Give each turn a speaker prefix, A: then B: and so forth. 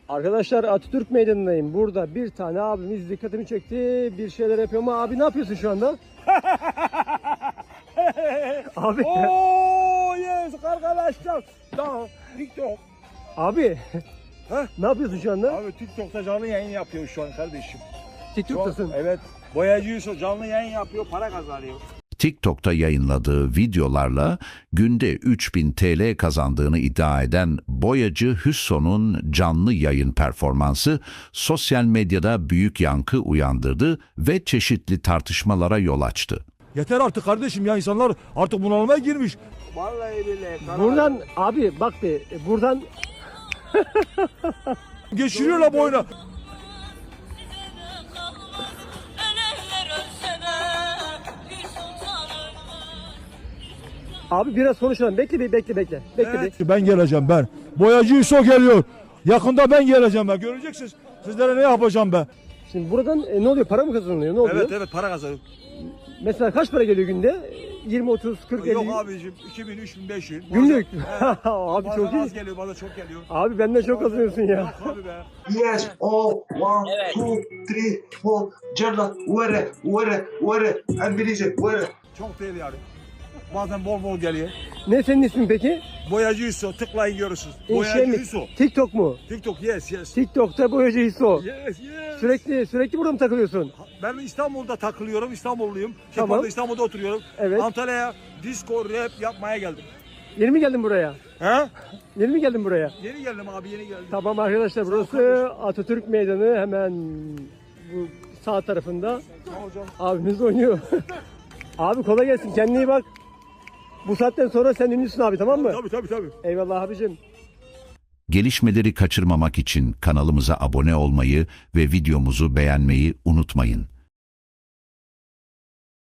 A: Arkadaşlar Atatürk Meydanı'ndayım. Burada bir tane abimiz dikkatimi çekti. Bir şeyler yapıyor ama abi ne yapıyorsun şu anda? Abi.
B: Oh yes arkadaşlar. Da TikTok.
A: Abi.
B: Heh?
A: Ne yapıyorsun şu anda?
B: Abi TikTok'ta canlı yayın yapıyor şu an kardeşim.
A: TikTok'tasın.
B: Evet. Boyacı Yusuf canlı yayın yapıyor, para kazanıyor.
C: TikTok'ta yayınladığı videolarla günde 3000 TL kazandığını iddia eden boyacı Hüsso'nun canlı yayın performansı sosyal medyada büyük yankı uyandırdı ve çeşitli tartışmalara yol açtı.
D: Yeter artık kardeşim ya, insanlar artık bunalıma girmiş.
B: Vallahi billahi.
A: Buradan abi bak bir buradan
D: Geçiriyorlar boyuna.
A: abi biraz konuşalım. Bekle.
D: Ben geleceğim ben. Boyacı Yusuf geliyor. Yakında ben geleceğim ben. Göreceksiniz. Sizlere ne yapacağım ben.
A: Şimdi buradan ne oluyor? Para mı kazanılıyor? Ne oluyor?
B: Evet para kazanıyor.
A: Mesela kaç para geliyor günde? 20, 30, 40, 50.
B: Yok abicim 2000, 3000, 5000.
A: Günlük.
B: Bazen,
A: Abi
B: bazen
A: çok iyi.
B: az geliyor, bazen çok geliyor.
A: Abi benden çok kazanıyorsun ya.
B: Yok abi be.
E: Yes, all, one, two, three, four, Cerrah, where, İngilizce, where.
B: Çok değil yani. Bazen bol geliyor.
A: Ne senin ismin peki?
B: Boyacı Yusuf tıklayın görürsünüz.
A: Şey
B: Boyacı
A: mi?
B: Yusuf.
A: TikTok mu?
B: TikTok yes.
A: TikTok'ta boyacı Hisso.
B: Yes.
A: Sürekli burada mı takılıyorsun?
B: Ben İstanbul'da takılıyorum, İstanbulluyum.
A: Tamam.
B: İstanbul'da oturuyorum.
A: Evet.
B: Antalya'ya disco rap yapmaya geldim.
A: Yeni mi geldin buraya?
B: He?
A: Yeni mi geldin buraya?
B: Yeni geldim abi, yeni geldim.
A: Tamam arkadaşlar, burası Atatürk Meydanı, hemen bu sağ tarafında.
B: Tamam hocam.
A: Abimiz oynuyor. Abi kolay gelsin, kendine iyi bak. Bu saatten sonra sen ünlüsün abi, tamam mı?
B: Tabii.
A: Eyvallah abicim.
C: Gelişmeleri kaçırmamak için kanalımıza abone olmayı ve videomuzu beğenmeyi unutmayın.